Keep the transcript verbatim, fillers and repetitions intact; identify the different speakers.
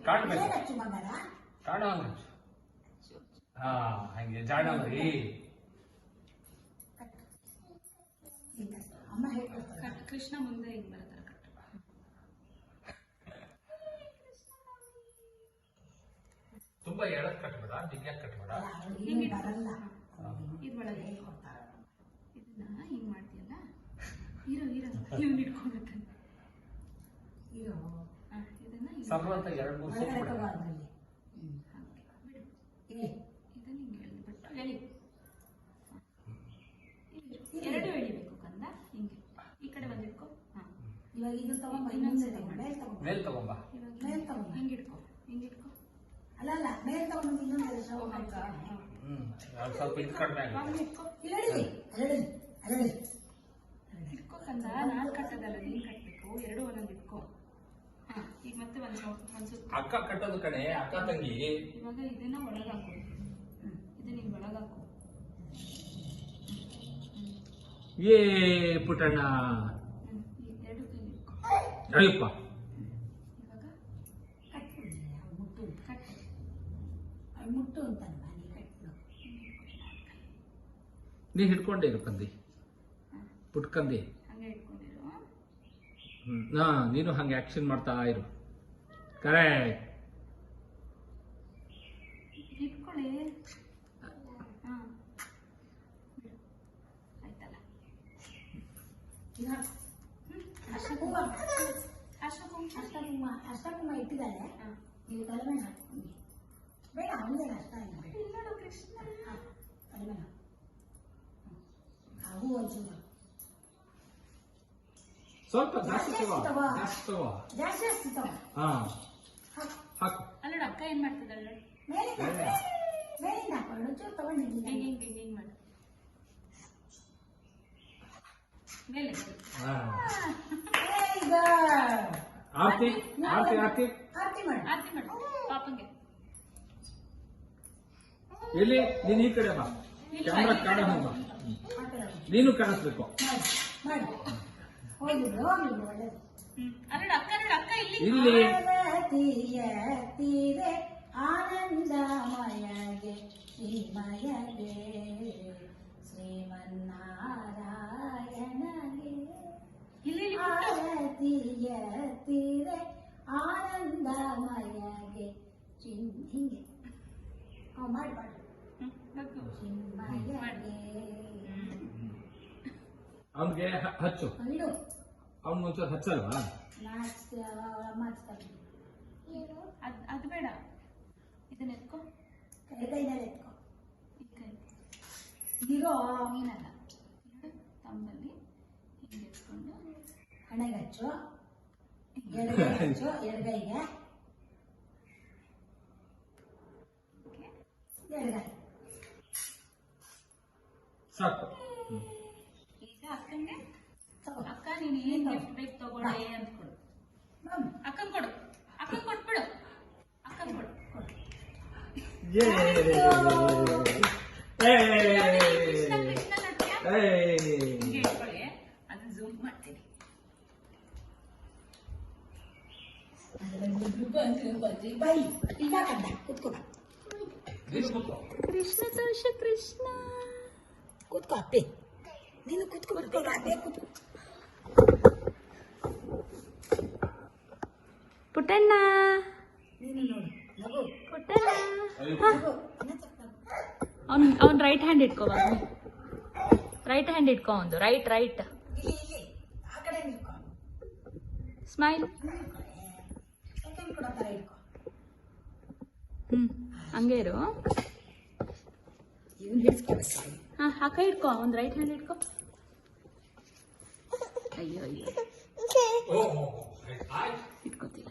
Speaker 1: ಕಾಣಬೇಕು ಕಾಣೋ ಹಾ ಹಂಗೆ ಜಾಣ ಮರಿ
Speaker 2: ಕೃಷ್ಣ ಮುಂದೆ ಹಿಂಗ್ ಬರ್ತಾರೆ ಕಟ್ಟು
Speaker 1: ತುಂಬಾ ಎಳದ್ ಕಟ್ಬೇಡ ಬಿಗ್ಯಾಕ್ ಕಟ್ಬೇಡ
Speaker 2: ಇದ್ರೊಳಗೆ ಇದನ್ನ ಹಿಂಗ್ ಮಾಡ್ತೀಯಲ್ಲ ಹೀರೋ ಹೀರೋ ಇವ್ನ ಇಟ್ಕೊಂಡ್ಬಿಡ್ತಾನೆ ಹೀರೋ ಇದನ್ನ
Speaker 1: ಸರ್ವಂತ ಎರಡು ಮೂರು ಸೂಟ್ ಬಿಡ
Speaker 2: ಇದನ್ನ ಹಿಂಗೆ ಎಳ್ಬಿಟ್ಟು ಎಳಿ ಎರಡು ಎಳಿಬೇಕು ಕಂದ ಹಿಂಗೆ ಈ ಕಡೆ ಬಂದಿಟ್ಕೊ ಹಾ ಇವಾಗ ಇದು ತಗೊಂಬ ಇನ್ನೊಂದ್ಸರಿ
Speaker 1: ಮೇಲ್ ತಗೊಂಬ
Speaker 2: ಮೇಲ್ ತಗೊಂಬ ಹಿಂಗೆ ಇಟ್ಕೊ ಹಿಂಗೆ ಇಟ್ಕೊ
Speaker 3: ಅಲ್ಲ ಅಲ್ಲ ಮೇಲ್ ತಗೊಂಡು ಇನ್ನೊಂದು
Speaker 1: ಹ್ಮ್ ಸ್ವಲ್ಪ ಇದು ಕಡಿಮೆ ಆಗುತ್ತೆ
Speaker 2: ಇಟ್ಕೊ
Speaker 3: ಇಲ್ಲಡಿ ಅಲ್ಲಡಿ ಅಲ್ಲಡಿ
Speaker 2: ಇಟ್ಕೊ ಕಂದ ನಾನ್ ಕಟ್ಟದಲ್ಲ ನೀನ್ ಕಟ್ಬೇಕು ಎರಡು ಒಂದೊಂದು ಇಟ್ಕೊ ಹಾ ಈಗ ಮತ್ತೆ ಒಂದ್ ಒಂದ್ ಸುತ್ತ
Speaker 1: ಅಕ್ಕ ಕಟ್ಟೋದು ಕಣೆ ಅಕ್ಕ ತಂಗಿ
Speaker 2: ಇವಾಗ ಇದನ್ನ ಒಳಗಾಕು ಇದನ್ನ ಹಿಂಗ್ ಒಳಗಾಕು
Speaker 1: ಏ ಪುಟ್ಟಣ್ಣ
Speaker 2: ಎರಡು ಕೈ ಇಟ್ಕೊ
Speaker 1: ಅಯ್ಯಪ್ಪ
Speaker 2: ಇವಾಗ
Speaker 3: ಕಟ್ಬಿಡಿ ಮುಟ್ಟು
Speaker 2: ಕಟ್ಟು
Speaker 3: ಅದು ಮುಟ್ಟು ಅಂತಲ್ವ ನೀ ಕಟ್ಟು
Speaker 1: ನೀ ಹಿಡ್ಕೊಂಡೇ ಇರು ಕಂದಿ ಪುಟ್ಕಂದಿ
Speaker 2: ಹಂಗೆ ಇಟ್ಕೊಂಡಿರು
Speaker 1: ಹ್ಮ್ ಹಾ ನೀನು ಹಂಗೆ ಆಕ್ಷನ್ ಮಾಡ್ತಾ ಇರು ಕರೆಕ್ಟ್
Speaker 2: ಇಟ್ಕೊಳ್ಳಿ ಹಾ ಆಯ್ತಲ್ಲ
Speaker 3: ಈಗ
Speaker 2: ಅಷ್ಟಕುಂಭ ಅಷ್ಟಕುಂಭ
Speaker 3: ಅಷ್ಟಕುಂಭ ಅಷ್ಟಕುಂಭ ಇಟ್ಟಿದ್ದಾರೆ
Speaker 2: ಹಾ
Speaker 3: ನೀವು ತಲೆ ಮೇಲೆ ಹಾಕ್ಕೊಂಡು ಬೇಡ ಅವನಿಗೆ ಅಷ್ಟ ಇಲ್ಲ
Speaker 2: ಇಲ್ಲೋಡು ಕೃಷ್ಣ
Speaker 3: ತಲೆ ಮೇಲೆ ಆ ಹೂ ಒಂಚೂರು
Speaker 1: ಸ್ವಲ್ಪ ಜಾಸ್ತಿ ತಗೋ
Speaker 3: ತಗೋ.
Speaker 1: ಜಾಸ್ತಿ ತಗೋ
Speaker 3: ಜಾಸ್ತಿ ಜಾಸ್ತಿ ತಗೋ
Speaker 1: ಹಾ
Speaker 3: ಹಾಕು
Speaker 1: ಹಾಕು
Speaker 2: ಅಲ್ಲೋಡು ಅಕ್ಕ ಏನ್ ಮಾಡ್ತಿದ್ದಾಳೆ
Speaker 3: ಮೇಲಿಂದ ಮೇಲಿಂದ ಹಾಕೊಂಡು ಒಂಚೂರು ತಗೊಂಡಿದ್ದೀನಿ
Speaker 2: ಹಿಂಗೆ ಹಿಂಗೆ ಹಿಂಗೆ ಹಿಂಗೆ ಮಾಡು ಮೇಲೆ
Speaker 1: ಹಾ
Speaker 3: ಈಗ
Speaker 1: ಆರ್ತಿ ಆರ್ತಿ ಆರ್ತಿ
Speaker 3: ಆರತಿ ಮಾಡಿ
Speaker 2: ಆರತಿ ಮಾಡು ಪಾಪಂಗೆ
Speaker 1: ಎಲ್ಲಿ ನೀನು ಈ ಕಡೆ ಬಾ ಕ್ಯಾಮ್ರಾ ಕಾಣ ಬಾ
Speaker 3: ಆ ಕಡೆ ಹೋಗು.
Speaker 1: ನೀನು ಕಾಣಿಸ್ಬೇಕು
Speaker 3: ಮಾಡಿ ಮಾಡಿ ಹೋಗಿದ್ರು ಹೋಗಿದ್ರು ಒಳ್ಳೇದು
Speaker 2: ಹ್ಮ್ ಅಲ್ಲೋಡು ಅಕ್ಕ ನೋಡು ಅಕ್ಕ ಇಲ್ಲಿ
Speaker 1: ಇಲ್ಲಿ
Speaker 3: ಪಾರ್ವತಿಯ ತೀರೆ ಆನಂದಮಯಗೆ ಶ್ರೀಮಯಗೆ ಶ್ರೀಮನ್ನಾರಾಯಣಗೆ
Speaker 2: ಇಲ್ಲಿ ಇಲ್ಲಿ
Speaker 3: ಪಾರ್ವತಿಯ ತೀರೆ ಆನಂದಮಯಗೆ ಚಿನ್ ಹಿಂಗೆ ಅವ್ ಮಾಡಿ ಮಾಡಿ
Speaker 2: ಹ್ಮ್ ನಕ್ಕು.
Speaker 3: ಚಿನ್ಮಯಗೆ
Speaker 1: ಅವನ್ಗೆ ಹಚ್ಚು
Speaker 3: ಇಡು
Speaker 1: ಅವ್ನ್ ಒಂಚೂರು ಹಚ್ಚಲ್ವಾ
Speaker 3: ನಾಚ್ ಮಾಡ್ತಾರೆ
Speaker 2: ಅದ್ ಅದು ಬೇಡ ಇದನ್ನ ಎತ್ಕೊ
Speaker 3: ಕೈ ಕೈನಲ್ಲಿ ಎತ್ಕೊ
Speaker 2: ಈ ಕೈ
Speaker 3: ಇರೋ
Speaker 2: ನೀನಲ್ಲ ಎರಡು ತಮ್ಮಲ್ಲಿ ಹಿಂಗೆ ಎತ್ಕೊಂಡು
Speaker 3: ಹಣೆಗೆ ಹಚ್ಚು ಎಡಗೈ ಹಚ್ಚು ಎಡಗೈಗೆ
Speaker 2: ಹಿಂಗೆ
Speaker 3: ಎಡಗೈ
Speaker 1: ಸಾಕು
Speaker 2: ಈಗ ಅಕ್ಕಂಗೆ
Speaker 3: ತಗೋ
Speaker 2: ಅಕ್ಕ ನೀನು ಏನ್ ಗಿಫ್ಟ್ ಬೇಕು ತಗೊಳ್ಳಿ ಅಂತ ಕೊಡು
Speaker 3: ಬಮ್.
Speaker 2: ಅಕ್ಕನ್ ಕೊಡು ಅಕ್ಕನ್ ಕೊಟ್ಬಿಡು ಅಕ್ಕನ್ ಕೊಡು ಕೊಡು
Speaker 1: ಏ ಏ
Speaker 2: ಕೃಷ್ಣ ಕೃಷ್ಣ ನೋಡ್ತೀಯಾ
Speaker 1: ಏ
Speaker 2: ಹಿಂಗೆ ಇಟ್ಕೊಳ್ಳಿ ಅದನ್ನ ಝೂಮ್ ಮಾಡ್ತೀನಿ
Speaker 3: ಬೈ ಈಗ ಕಂಡ ಕುತ್ಕೋ
Speaker 1: ನೀನು ಕೂತ್ಕೋ.
Speaker 2: ಕೃಷ್ಣ ತೋಷ ಕೃಷ್ಣ
Speaker 3: ಕುತ್ಕೋ ಅಪ್ಪಿ ನೀನು ಕುತ್ಕೋ ಕುತ್ಕೋ ಅದೇ ಕುತ್ಕೋ
Speaker 2: ಪುಟ್ಟಣ್ಣ
Speaker 3: ನೀನು ನೋಡು ನಗು
Speaker 2: ಪುಟ್ಟಣ್ಣ
Speaker 1: ಅಯ್ಯೋ.
Speaker 3: ನಗು ಇನ್ನೊಂದ್ ಸ್ವಲ್ಪ ನಗು.
Speaker 2: ಅವ್ನ್ ಅವ್ನ್ ರೈಟ್ ಹ್ಯಾಂಡ್ ಇಟ್ಕೋ ರೈಟ್ ಹ್ಯಾಂಡ್ ಇಟ್ಕೋ ಒಂದು ರೈಟ್ ರೈಟ್
Speaker 3: ಇಲ್ಲಿ ಇಲ್ಲಿ ಆ ಕಡೆ ನಿಲ್ಕೊ
Speaker 2: ಸ್ಮೈಲ್
Speaker 3: ಸೆಕೆಂಡ್ ಕೊಡೋ ಥರ ಇಟ್ಕೊ
Speaker 2: ಹ್ಮ್ ಹಂಗೆ ಇರು
Speaker 3: ಇವನು ಹಿಡಿಸ್ಕೊಳ್ಬೇಕು
Speaker 2: ಹಾ ಆ ಕೈ ಇಟ್ಕೋ ಒಂದ್ ರೈಟ್ ಹ್ಯಾಂಡ್ ಇಟ್ಕೋ ಅಯ್ಯೋ ಅಯ್ಯೋ
Speaker 1: ಓ, ಓ, ಓ. ಆಯ್ತು
Speaker 2: ಇಟ್ಕೋತೀವಿ